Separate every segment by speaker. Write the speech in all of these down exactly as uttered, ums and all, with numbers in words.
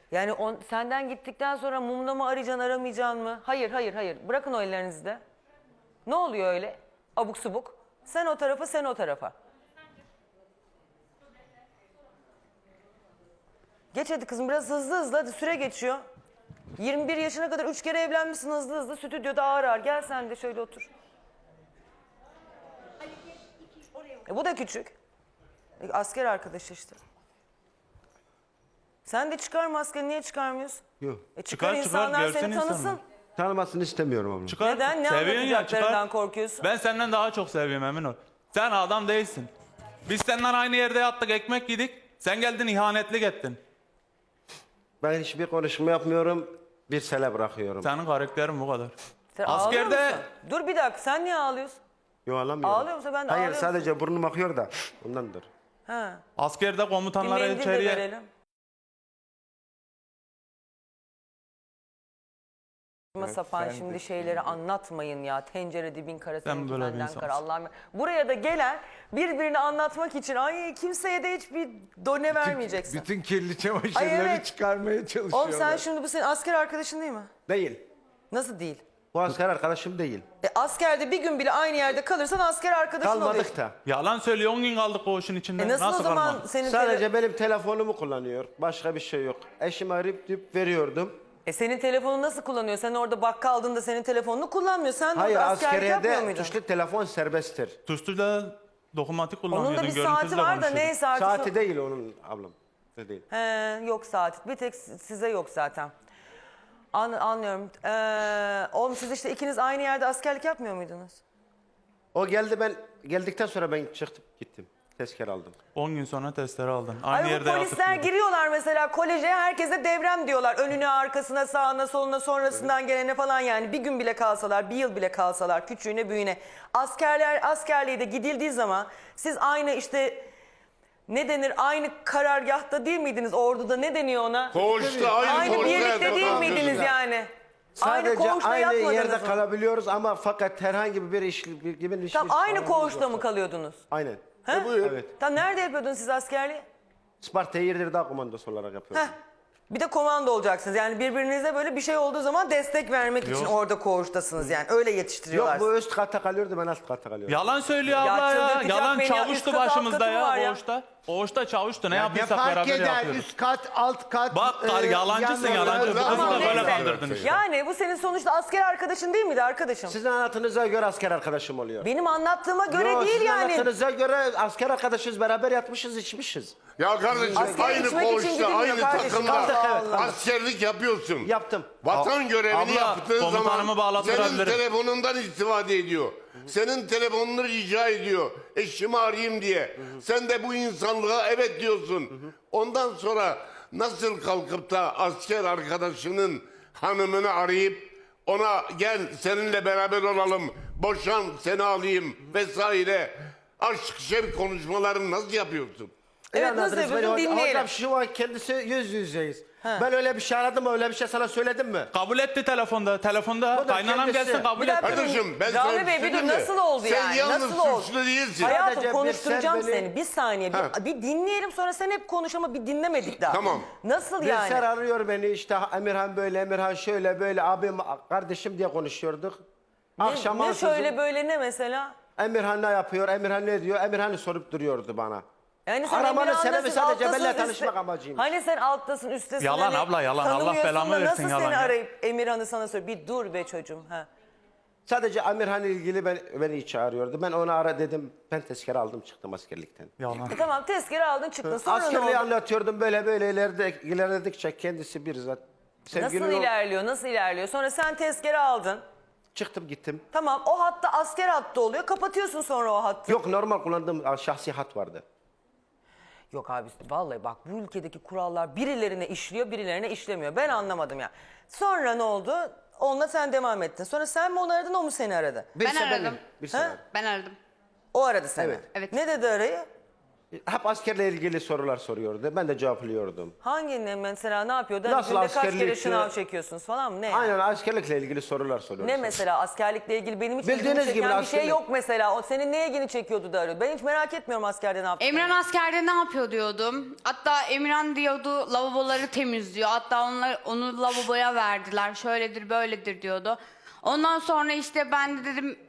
Speaker 1: Yani on, senden gittikten sonra mumla mı arayacaksın, aramayacaksın mı? Hayır, hayır, hayır. Bırakın o ellerinizi de. Ne oluyor öyle? Abuk subuk. Sen o tarafa, sen o tarafa. Geç hadi kızım, biraz hızlı hızlı, hadi süre geçiyor. yirmi bir yaşına kadar üç kere evlenmişsin, hızlı hızlı stüdyoda ağır ağır. Gel sen de şöyle otur. E, bu da küçük. E, asker arkadaşı işte. Sen de çıkar maskeni, niye çıkarmıyorsun?
Speaker 2: Yok.
Speaker 1: E, çıkar,
Speaker 3: Çıkar, çıkar,
Speaker 1: insanlar
Speaker 3: görsün
Speaker 1: seni tanısın.
Speaker 3: insanlar.
Speaker 2: Tanımasını istemiyorum abla.
Speaker 3: Çıkar.
Speaker 1: Neden? Ne
Speaker 3: Seviyorsun ya,
Speaker 1: anlatacaklarından
Speaker 3: çıkar.
Speaker 1: korkuyorsun?
Speaker 3: Ben senden daha çok seviyorum, emin ol. Sen adam değilsin. Biz senden aynı yerde yattık, ekmek yedik. Sen geldin ihanetlik ettin.
Speaker 2: Ben hiçbir konuşma yapmıyorum. Bir sele bırakıyorum.
Speaker 3: Senin karakterin bu kadar.
Speaker 1: Sen ağlıyor
Speaker 3: Askerde
Speaker 1: musun? Dur bir dakika, sen niye ağlıyorsun?
Speaker 2: Yok ağlamıyorum.
Speaker 1: Ağlıyor musun? Ben de
Speaker 2: Hayır
Speaker 1: ağlıyorum.
Speaker 2: sadece burnum akıyor da ondandır.
Speaker 1: Ha.
Speaker 3: askerde
Speaker 1: Bir
Speaker 3: komutanlara
Speaker 1: mendil de
Speaker 3: içeriye...
Speaker 1: verelim. Saçma sapan
Speaker 3: sen
Speaker 1: şimdi
Speaker 3: de-
Speaker 1: şeyleri anlatmayın ya. Tencere dibin kara,
Speaker 3: Sen
Speaker 1: seninki
Speaker 3: böyle bir
Speaker 1: benden
Speaker 3: insansın.
Speaker 1: kara. Allah'ım. Buraya da gelen birbirini anlatmak için ay kimseye de hiçbir done vermeyeceksin.
Speaker 4: Bütün kirli çamaşırları
Speaker 1: Ay, evet.
Speaker 4: çıkarmaya çalışıyorlar.
Speaker 1: Oğlum sen şimdi bu senin asker arkadaşın değil mi?
Speaker 2: Değil.
Speaker 1: Nasıl değil?
Speaker 2: Bu asker arkadaşım değil.
Speaker 1: E, askerde bir gün bile aynı yerde kalırsan asker arkadaşın oluyor.
Speaker 2: Kalmadık da.
Speaker 3: Yalan söylüyor, on gün kaldık koğuşun içinde.
Speaker 1: E nasıl, o zaman
Speaker 3: kalmadık?
Speaker 1: senin
Speaker 2: Sadece
Speaker 1: tele-
Speaker 2: benim telefonumu kullanıyor. Başka bir şey yok. Eşimi arayıp deyip veriyordum.
Speaker 1: E senin telefonunu nasıl kullanıyor? Sen orada bakkaldığında senin telefonunu kullanmıyor. Sen de
Speaker 2: Hayır
Speaker 1: orada askerlik yapmıyor
Speaker 2: askeriyede
Speaker 1: muydun?
Speaker 2: tuşlu telefon serbesttir.
Speaker 3: Tuşluyla dokunmatik kullanıyordun.
Speaker 1: Onun da bir
Speaker 3: görüntüsüyle
Speaker 1: saati var da
Speaker 3: konuşuyordun.
Speaker 1: ne saati?
Speaker 2: Saati değil onun ablam. Ne değil.
Speaker 1: He, yok saat. Bir tek size yok zaten. An, anlıyorum. Ee, oğlum siz işte ikiniz aynı yerde askerlik yapmıyor muydunuz?
Speaker 2: O geldi ben geldikten sonra ben çıktım gittim. Tezkere aldım.
Speaker 3: on gün sonra testleri aldın. Aynı
Speaker 1: Ay bu
Speaker 3: yerde
Speaker 1: polisler
Speaker 3: yatıp-
Speaker 1: giriyorlar mesela koleje, herkese devrem diyorlar. Önüne, arkasına, sağına, soluna, sonrasından gelene falan yani. Bir gün bile kalsalar, bir yıl bile kalsalar, küçüğüne, büyüğüne. Askerler, askerliğe de gidildiği zaman siz aynı işte ne denir, aynı karargahta değil miydiniz? Orduda ne deniyor ona?
Speaker 5: Koğuşta aynı,
Speaker 1: Aynı
Speaker 5: koğuşta
Speaker 1: birlikte değil
Speaker 5: yatak
Speaker 1: miydiniz
Speaker 5: alıyorsun.
Speaker 1: yani? Aynı
Speaker 2: Sadece
Speaker 1: koğuşta
Speaker 2: aynı,
Speaker 1: yatmadınız
Speaker 2: yerde
Speaker 1: mı?
Speaker 2: kalabiliyoruz ama fakat herhangi bir iş bir gibi iş.
Speaker 1: Tam aynı koğuşta mı kalıyordunuz?
Speaker 2: Aynen.
Speaker 1: He?
Speaker 2: Evet.
Speaker 1: Tam nerede yapıyordunuz siz askerliği?
Speaker 2: Isparta Yedirdağ komandosu olarak yapıyoruz.
Speaker 1: Heh. Bir de komando olacaksınız. Yani birbirinize böyle bir şey olduğu zaman destek vermek için
Speaker 3: Yok.
Speaker 1: orada koğuştasınız yani. Öyle
Speaker 2: Yok
Speaker 1: yetiştiriyorlar.
Speaker 2: bu üst katta kalıyordu ben alt katta kalıyordum.
Speaker 3: Yalan söylüyor
Speaker 1: Ya
Speaker 3: abla ya.
Speaker 1: çıldırtacak
Speaker 3: Yalan
Speaker 1: beni ya.
Speaker 3: çavuştu
Speaker 1: Üst kat, alt
Speaker 3: başımızda
Speaker 1: katı mı var
Speaker 3: ya
Speaker 1: ya?
Speaker 3: koğuşta. Koğuşta çavuştu. Ne
Speaker 4: Ne
Speaker 3: yaptıysak
Speaker 4: fark
Speaker 3: beraber
Speaker 4: eder?
Speaker 3: yapıyorduk.
Speaker 4: Üst kat, alt kat.
Speaker 3: Bak kar,
Speaker 4: e,
Speaker 3: yalancısın
Speaker 4: yan-
Speaker 3: yalancı. Bu kızı
Speaker 1: Tamam,
Speaker 3: da böyle
Speaker 1: neyse.
Speaker 3: kandırdın işte.
Speaker 1: Yani bu senin sonuçta asker arkadaşın değil miydi arkadaşım?
Speaker 2: Sizin anlatınıza göre asker arkadaşım oluyor.
Speaker 1: Benim anlattığıma göre
Speaker 2: Yok,
Speaker 1: değil
Speaker 2: sizin
Speaker 1: yani.
Speaker 2: anlattığınıza göre asker arkadaşız beraber yatmışız içmişiz.
Speaker 5: Ya kardeşim
Speaker 1: Askere
Speaker 5: aynı
Speaker 1: gitmek için
Speaker 5: koğuşta,
Speaker 1: gidilmiyor
Speaker 5: aynı
Speaker 1: kardeşim.
Speaker 5: takımda
Speaker 1: Allah Allah.
Speaker 5: askerlik yapıyorsun.
Speaker 2: Yaptım.
Speaker 5: Vatan görevini
Speaker 3: Abla,
Speaker 5: yaptığın
Speaker 3: komutanımı
Speaker 5: zaman
Speaker 3: bağlattırabilirim.
Speaker 5: senin telefonundan istifade ediyor. Senin telefonunu rica ediyor. Eşimi arayayım diye. Sen de bu insanlığa evet diyorsun. Ondan sonra nasıl kalkıp da asker arkadaşının hanımını arayıp ona gel seninle beraber olalım, boşan seni alayım vesaire. Aşk şevk konuşmalarını nasıl yapıyorsun?
Speaker 1: Evet,
Speaker 2: İyi anladınız
Speaker 1: nasıl
Speaker 2: beni
Speaker 1: yapıyorsun?
Speaker 2: hocam.
Speaker 1: Dinleyelim.
Speaker 2: Hocam şu an kendisi yüz yüzeyiz. Ben öyle bir şey aradım mı öyle bir şey sana söyledim mi?
Speaker 3: Kabul etti telefonda. Telefonda
Speaker 2: Bu da
Speaker 3: kaynanam
Speaker 2: kendisi.
Speaker 3: gelsin kabul
Speaker 1: Bir
Speaker 3: etti.
Speaker 1: dakika.
Speaker 5: Kardeşim ben
Speaker 1: Rami
Speaker 5: sana
Speaker 1: Bey, bir
Speaker 5: bir şey
Speaker 1: dur,
Speaker 5: diyeyim mi?
Speaker 1: nasıl oldu
Speaker 5: Sen
Speaker 1: yani?
Speaker 5: yalnız
Speaker 1: Nasıl oldu?
Speaker 5: suçlu değilsin.
Speaker 1: Hayatım
Speaker 2: Sadece bir
Speaker 1: konuşturacağım
Speaker 2: sen beni-
Speaker 1: seni. Bir saniye.
Speaker 5: Ha.
Speaker 1: Bir, bir dinleyelim sonra sen hep konuş ama bir dinlemedik daha.
Speaker 5: Tamam.
Speaker 1: Nasıl
Speaker 2: Bilser
Speaker 1: yani?
Speaker 2: arıyor beni işte Emirhan böyle Emirhan şöyle böyle abim kardeşim diye konuşuyorduk. Akşam
Speaker 1: Ne, ne
Speaker 2: ansızın
Speaker 1: şöyle böyle ne mesela?
Speaker 2: Emirhan ne yapıyor Emirhan ne diyor Emirhan'ı sorup duruyordu bana.
Speaker 1: Yani sen
Speaker 2: Aramanın
Speaker 1: Emirhan'dasın,
Speaker 2: sebebi sadece
Speaker 1: alttasın,
Speaker 2: benimle
Speaker 1: üstte-
Speaker 2: tanışmak amacıymış.
Speaker 1: Hani sen alttasın, üsttesin.
Speaker 3: Yalan
Speaker 1: hani
Speaker 3: abla, yalan. Allah
Speaker 1: tanımıyorsun
Speaker 3: belamı
Speaker 1: da
Speaker 3: versin,
Speaker 1: nasıl
Speaker 3: yalan
Speaker 1: seni
Speaker 3: ya.
Speaker 1: arayıp Emirhan'ı sana söylüyor? Bir dur be çocuğum. Ha.
Speaker 2: Sadece Emirhan'la ilgili ben, beni hiç çağırıyordu. Ben ona ara dedim ben tezkere aldım çıktım askerlikten.
Speaker 3: Yalan.
Speaker 1: E tamam, tezkere aldın çıktın. Sonra ne
Speaker 2: Askerliği
Speaker 1: oldu?
Speaker 2: anlatıyordum böyle böyle ileride, ilerledikçe kendisi bir zat.
Speaker 1: Nasıl
Speaker 2: Sevgili o-
Speaker 1: ilerliyor, nasıl ilerliyor? Sonra sen tezkere aldın.
Speaker 2: Çıktım gittim.
Speaker 1: Tamam, o hatta asker hattı oluyor. Kapatıyorsun sonra o hattı.
Speaker 2: Yok normal kullandığım şahsi hat vardı.
Speaker 1: Yok abi, vallahi bak bu ülkedeki kurallar birilerine işliyor, birilerine işlemiyor. Ben anlamadım ya. Sonra ne oldu? Onunla sen devam ettin. Sonra sen mi onu aradın, o mu seni aradı?
Speaker 2: Bir
Speaker 6: Ben
Speaker 2: sene-
Speaker 6: aradım.
Speaker 2: Bir
Speaker 1: Ha?
Speaker 2: sene.
Speaker 6: Ben aradım.
Speaker 1: O aradı seni.
Speaker 2: Evet.
Speaker 6: Evet.
Speaker 1: Ne dedi arayı?
Speaker 2: Hep askerle ilgili sorular soruyordu. Ben de cevaplıyordum.
Speaker 1: Hangi mesela ne yapıyordu? Hani
Speaker 2: Nasıl
Speaker 1: günde kaç kere
Speaker 2: askerlik,
Speaker 1: şınav
Speaker 2: e,
Speaker 1: çekiyorsunuz falan mı? Ne?
Speaker 2: Aynen askerlikle ilgili sorular soruyordu.
Speaker 1: Ne mesela askerlikle ilgili benim hiç
Speaker 2: Bildiğiniz
Speaker 1: ilgimi çeken
Speaker 2: gibi
Speaker 1: bir şey
Speaker 2: askerlik-
Speaker 1: yok mesela. O senin ne ilgini çekiyordu da arıyordu. Ben hiç merak etmiyorum askerde ne yaptığını.
Speaker 6: Emran askerde ne yapıyor diyordum. Hatta Emran diyordu lavaboları temizliyor. Hatta onlar onu lavaboya verdiler. Şöyledir böyledir diyordu. Ondan sonra işte ben de dedim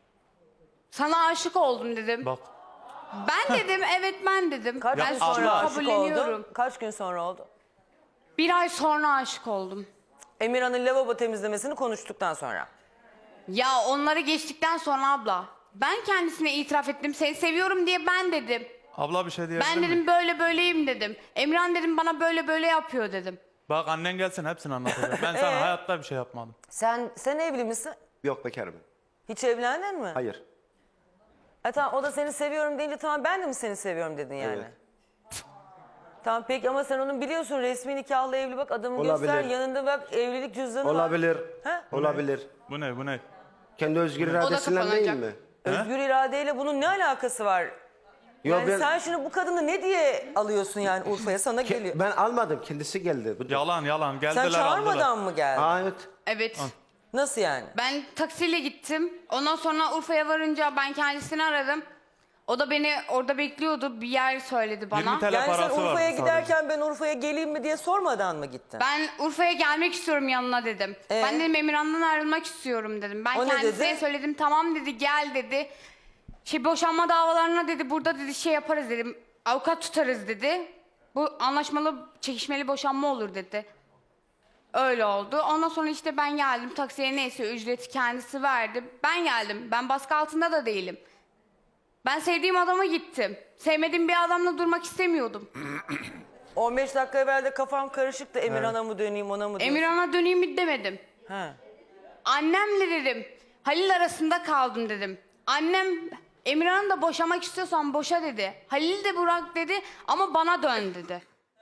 Speaker 6: sana aşık oldum dedim.
Speaker 3: Bak.
Speaker 6: Ben dedim evet ben dedim.
Speaker 1: Kaç
Speaker 6: ben
Speaker 1: gün
Speaker 6: şunu
Speaker 1: sonra aşık
Speaker 6: kabulleniyorum.
Speaker 1: oldun? Kaç gün sonra oldu?
Speaker 6: Bir ay sonra aşık oldum.
Speaker 1: Emirhan'ın lavabo temizlemesini konuştuktan sonra.
Speaker 6: Ya onları geçtikten sonra abla. Ben kendisine itiraf ettim. Seni seviyorum diye ben dedim.
Speaker 3: Abla bir şey diyebilir
Speaker 6: Ben
Speaker 3: miyim?
Speaker 6: dedim böyle böyleyim dedim. Emran dedim bana böyle böyle yapıyor dedim.
Speaker 3: Bak annen gelsin hepsini anlatacak. Ben sana
Speaker 1: Ee?
Speaker 3: hayatta bir şey yapmadım.
Speaker 1: Sen sen evli misin?
Speaker 2: Yok bekarım.
Speaker 1: Hiç evlendin mi?
Speaker 2: Hayır.
Speaker 1: E tamam o da seni seviyorum deyince tamam ben de mi seni seviyorum dedin yani.
Speaker 2: Evet.
Speaker 1: Tamam peki ama sen onun biliyorsun resmi nikahlı evli bak adamı
Speaker 2: Olabilir.
Speaker 1: göster yanında bak evlilik cüzdanı var.
Speaker 2: Olabilir.
Speaker 1: He?
Speaker 2: Olabilir.
Speaker 3: Bu ne bu ne?
Speaker 2: Kendi özgür iradesinden değil
Speaker 6: kapanacak.
Speaker 2: mi?
Speaker 1: Özgür iradeyle bunun ne alakası var?
Speaker 2: Yok,
Speaker 1: Yani
Speaker 2: ben,
Speaker 1: sen şimdi bu kadını ne diye alıyorsun yani Urfa'ya sana geliyor.
Speaker 2: ben almadım. Kendisi geldi. Bu-
Speaker 3: Yalan yalan geldiler
Speaker 1: Sen çağırmadan
Speaker 3: aldılar.
Speaker 1: mı geldin?
Speaker 2: Aa, evet.
Speaker 6: Evet.
Speaker 1: Nasıl yani?
Speaker 6: Ben taksiyle gittim. Ondan sonra Urfa'ya varınca ben kendisini aradım. O da beni orada bekliyordu. Bir yer söyledi bana.
Speaker 3: yirmi T L
Speaker 1: Yani sen
Speaker 3: parası
Speaker 1: Urfa'ya
Speaker 3: vardı
Speaker 1: giderken ben Urfa'ya geleyim mi diye sormadan mı gittin?
Speaker 6: Ben Urfa'ya gelmek istiyorum yanına dedim.
Speaker 1: Ee?
Speaker 6: Ben dedim Emirhan'dan ayrılmak istiyorum dedim. Ben
Speaker 1: O ne
Speaker 6: kendisine
Speaker 1: dedi?
Speaker 6: söyledim. Tamam dedi gel dedi. Şey boşanma davalarına dedi burada dedi şey yaparız dedim. Avukat tutarız dedi. Bu anlaşmalı çekişmeli boşanma olur dedi. Öyle oldu. Ondan sonra işte ben geldim. Taksiye neyse ücreti kendisi verdi. Ben geldim. Ben baskı altında da değilim. Ben sevdiğim adama gittim. Sevmediğim bir adamla durmak istemiyordum.
Speaker 1: on beş dakika evvel de kafam karışıktı. Emirhan'a mı döneyim ona mı döneyim?
Speaker 6: Emirhan'a döneyim mi demedim.
Speaker 1: He.
Speaker 6: Annemle dedim. Halil arasında kaldım dedim. Annem Emirhan'ı da boşamak istiyorsan boşa dedi. Halil de bırak dedi ama bana dön dedi.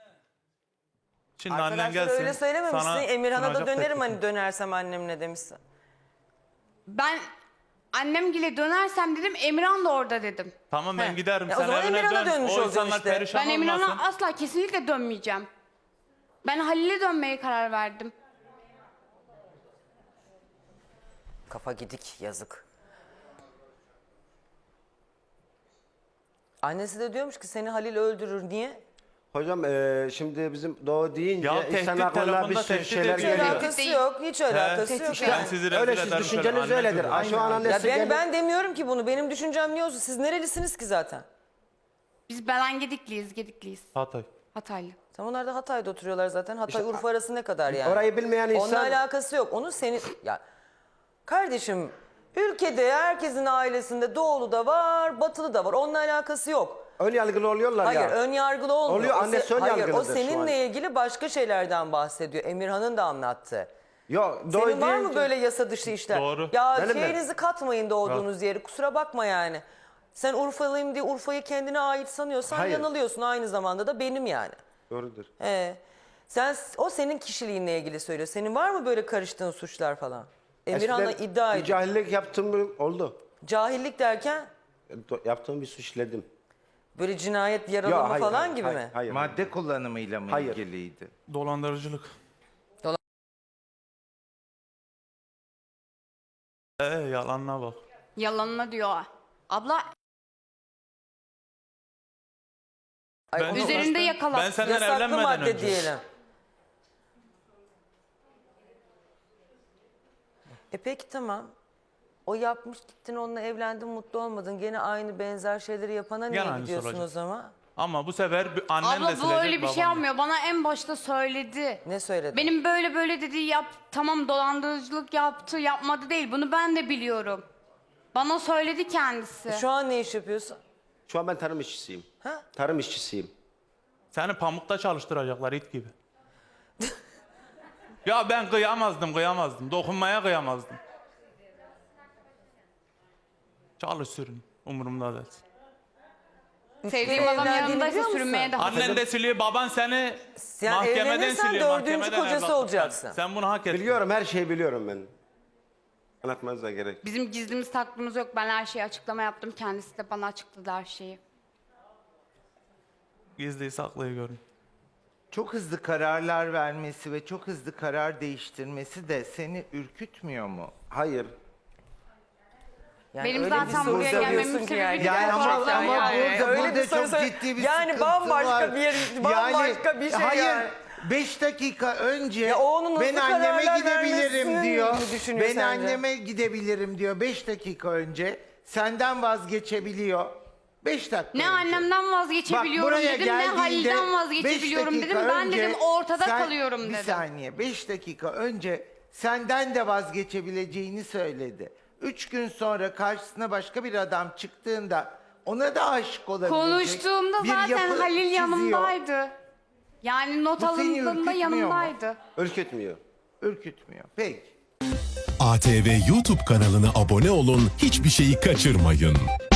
Speaker 3: Şimdi annen
Speaker 1: Arkadaşlar
Speaker 3: gelsin.
Speaker 1: öyle söylememişsin.
Speaker 3: sana
Speaker 1: Emirhan'a da
Speaker 3: sunacak
Speaker 1: dönerim
Speaker 3: teklifi.
Speaker 1: hani dönersem annemle demişsin.
Speaker 6: Ben annemgile dönersem dedim Emirhan da orada dedim.
Speaker 3: Tamam ben
Speaker 1: He.
Speaker 3: giderim.
Speaker 1: Ya o
Speaker 3: Sen
Speaker 1: zaman
Speaker 3: evine
Speaker 1: Emirhan'a
Speaker 3: dön.
Speaker 1: dönmüş
Speaker 3: O
Speaker 1: olacaksın
Speaker 3: insanlar
Speaker 1: işte.
Speaker 3: perişan
Speaker 6: Ben
Speaker 3: olmasın.
Speaker 6: Emirhan'a asla kesinlikle dönmeyeceğim. Ben Halil'e dönmeye karar verdim.
Speaker 1: Kafa gidik yazık. Annesi de diyormuş ki seni Halil öldürür. Niye?
Speaker 2: Hocam eee, şimdi bizim doğu deyince
Speaker 3: Ya
Speaker 2: insan
Speaker 3: tehdit,
Speaker 2: aklına bir
Speaker 3: telefonda
Speaker 2: sürü
Speaker 3: tehdit
Speaker 2: şeyler
Speaker 3: ediyor.
Speaker 1: Hiç
Speaker 2: geliyor.
Speaker 1: alakası
Speaker 6: Değil.
Speaker 1: yok. Hiç alakası yok.
Speaker 6: Tehdit.
Speaker 3: Ben
Speaker 1: yani.
Speaker 3: sizi rezil
Speaker 2: Öyle siz
Speaker 3: ederim.
Speaker 2: düşünceniz
Speaker 3: şöyle, anne
Speaker 2: öyledir.
Speaker 3: çocuğu.
Speaker 2: Şu an
Speaker 1: Ya
Speaker 2: annesi
Speaker 1: ben,
Speaker 2: gel-
Speaker 1: ben demiyorum ki bunu. Benim düşüncem ne olsun? Siz nerelisiniz ki zaten?
Speaker 6: Biz Belen Gedikliyiz, Gedikliyiz.
Speaker 3: Hatay.
Speaker 6: Hataylı.
Speaker 1: Tam onlar da Hatay'da oturuyorlar zaten. Hatay Urfa arası ne kadar yani?
Speaker 2: Orayı bilmeyen
Speaker 1: Onunla
Speaker 2: insan-
Speaker 1: alakası yok. Onun senin ya kardeşim ülkede herkesin ailesinde doğulu da var, batılı da var. Onunla alakası yok.
Speaker 2: ön yargılı oluyorlar
Speaker 1: Hayır,
Speaker 2: ya.
Speaker 1: ön yargılı olmuyor.
Speaker 2: Oluyor,
Speaker 1: O se-
Speaker 2: annesi ön
Speaker 1: Hayır, o
Speaker 2: yargılıdır şu
Speaker 1: seninle
Speaker 2: an.
Speaker 1: ilgili başka şeylerden bahsediyor. Emirhan'ın da anlattı.
Speaker 2: Yok, doğu
Speaker 1: Senin var mı
Speaker 2: deyince-
Speaker 1: böyle yasa dışı işler?
Speaker 3: Doğru.
Speaker 1: Ya
Speaker 2: Benim de.
Speaker 1: şeyinizi katmayın doğduğunuz yeri. Kusura bakma yani. Sen Urfalıyım diye Urfa'yı kendine ait sanıyorsan
Speaker 2: Hayır.
Speaker 1: yanılıyorsun. Aynı zamanda da benim yani.
Speaker 2: Doğrudur.
Speaker 1: He. Sen o senin kişiliğinle ilgili söylüyor. Senin var mı böyle karıştığın suçlar falan? Emirhan'la
Speaker 2: Eskiden
Speaker 1: iddia
Speaker 2: bir
Speaker 1: ediyor.
Speaker 2: cahillik yaptığım oldu.
Speaker 1: Cahillik derken
Speaker 2: Do- Yaptığım bir suç işledim.
Speaker 1: böyle cinayet, yaralama
Speaker 2: Yok, hayır,
Speaker 1: falan
Speaker 2: hayır,
Speaker 1: gibi
Speaker 2: hayır,
Speaker 1: mi?
Speaker 2: Hayır.
Speaker 4: Madde kullanımıyla mı
Speaker 2: Hayır.
Speaker 4: ilgiliydi?
Speaker 3: Dolandırıcılık.
Speaker 1: Dolan-
Speaker 3: Ee yalanına bak.
Speaker 6: Yalanına diyor. Abla
Speaker 1: Ay,
Speaker 3: Ben-
Speaker 1: onu-
Speaker 6: üzerinde
Speaker 3: Ben
Speaker 6: yakalattı.
Speaker 3: senden
Speaker 1: yasaklı
Speaker 3: evlenmeden
Speaker 1: madde
Speaker 3: önce.
Speaker 1: diyelim. E peki tamam. O yapmış gittin onunla evlendin mutlu olmadın. Gene aynı benzer şeyleri yapana niye
Speaker 3: Gene aynısı
Speaker 1: gidiyorsun
Speaker 3: olacak.
Speaker 1: o zaman?
Speaker 3: Ama bu sefer bir- annen de
Speaker 6: Abla bu
Speaker 3: silecek,
Speaker 6: öyle bir
Speaker 3: baban
Speaker 6: şey
Speaker 3: da.
Speaker 6: yapmıyor. Bana en başta söyledi.
Speaker 1: Ne söyledi?
Speaker 6: Benim böyle böyle dediği yap tamam dolandırıcılık yaptı yapmadı değil. Bunu ben de biliyorum. Bana söyledi kendisi.
Speaker 1: Şu an ne iş yapıyorsun?
Speaker 2: Şu an ben tarım işçisiyim.
Speaker 1: Ha?
Speaker 2: Tarım işçisiyim.
Speaker 3: Seni pamukta çalıştıracaklar it gibi. Ya ben kıyamazdım kıyamazdım. Dokunmaya kıyamazdım. Çalış sürün. Umurumda değil.
Speaker 6: Sevdiğim adam
Speaker 1: evlendiğini
Speaker 6: yanındaysa
Speaker 1: biliyor musun?
Speaker 6: sürünmeye de
Speaker 3: Annen de siliyor, baban seni
Speaker 1: Yani
Speaker 3: mahkemeden
Speaker 1: evlenirsen
Speaker 3: siliyor.
Speaker 1: dördüncü
Speaker 3: mahkemeden
Speaker 1: kocası
Speaker 3: evlatlıktan.
Speaker 1: olacaksın.
Speaker 3: Sen bunu hak ettin.
Speaker 2: Biliyorum, her şeyi biliyorum ben. Anlatmanıza gerek.
Speaker 6: Bizim gizlimiz saklımız yok. Ben her şeyi açıklama yaptım. Kendisi de bana açıkladı her şeyi.
Speaker 3: gizliyi saklıyı görün.
Speaker 4: Çok hızlı kararlar vermesi ve çok hızlı karar değiştirmesi de seni ürkütmüyor mu?
Speaker 2: Hayır.
Speaker 1: Yani
Speaker 6: Benim
Speaker 1: öyle bir
Speaker 6: zaten
Speaker 1: soru
Speaker 6: buraya
Speaker 1: soruyorsun
Speaker 6: gelmemin
Speaker 1: ki
Speaker 6: sebebi
Speaker 1: yani.
Speaker 6: de
Speaker 4: Yani ama,
Speaker 6: gerçekten
Speaker 4: ama
Speaker 6: yani.
Speaker 4: burada,
Speaker 1: Öyle
Speaker 4: burada
Speaker 1: bir soru
Speaker 4: çok
Speaker 1: sor-
Speaker 4: ciddi bir
Speaker 1: yani
Speaker 4: sıkıntı
Speaker 1: bambaşka
Speaker 4: var.
Speaker 1: bir- bambaşka bir şey
Speaker 4: hayır,
Speaker 1: yani.
Speaker 4: beş dakika önce
Speaker 1: Ya o onun
Speaker 4: ben
Speaker 1: hızlı
Speaker 4: anneme
Speaker 1: kararlar
Speaker 4: gidebilirim
Speaker 1: vermesini
Speaker 4: diyor.
Speaker 1: mi düşünüyor
Speaker 4: Ben
Speaker 1: sence?
Speaker 4: anneme gidebilirim diyor beş dakika önce. Senden vazgeçebiliyor. Beş dakika
Speaker 6: Ne
Speaker 4: önce.
Speaker 6: annemden vazgeçebiliyorum
Speaker 4: Bak, buraya
Speaker 6: dedim, ne
Speaker 4: geldiğinde
Speaker 6: Halil'den
Speaker 4: beş
Speaker 6: vazgeçebiliyorum
Speaker 4: dakika
Speaker 6: dedim. Ben
Speaker 4: önce
Speaker 6: dedim ortada
Speaker 4: sen-
Speaker 6: kalıyorum
Speaker 4: Bir
Speaker 6: dedim.
Speaker 4: saniye, beş dakika önce senden de vazgeçebileceğini söyledi. Üç gün sonra karşısına başka bir adam çıktığında ona da aşık olabilecek
Speaker 6: Konuştuğumda
Speaker 4: bir
Speaker 6: zaten
Speaker 4: yapı
Speaker 6: Halil
Speaker 4: çiziyor.
Speaker 6: yanımdaydı. Yani not
Speaker 4: Bu seni
Speaker 6: alındığında
Speaker 4: ürkütmüyor mu?
Speaker 6: yanımdaydı.
Speaker 2: Ürkütmüyor.
Speaker 4: Ürkütmüyor. Peki.
Speaker 7: A T V YouTube kanalına abone olun, hiçbir şeyi kaçırmayın.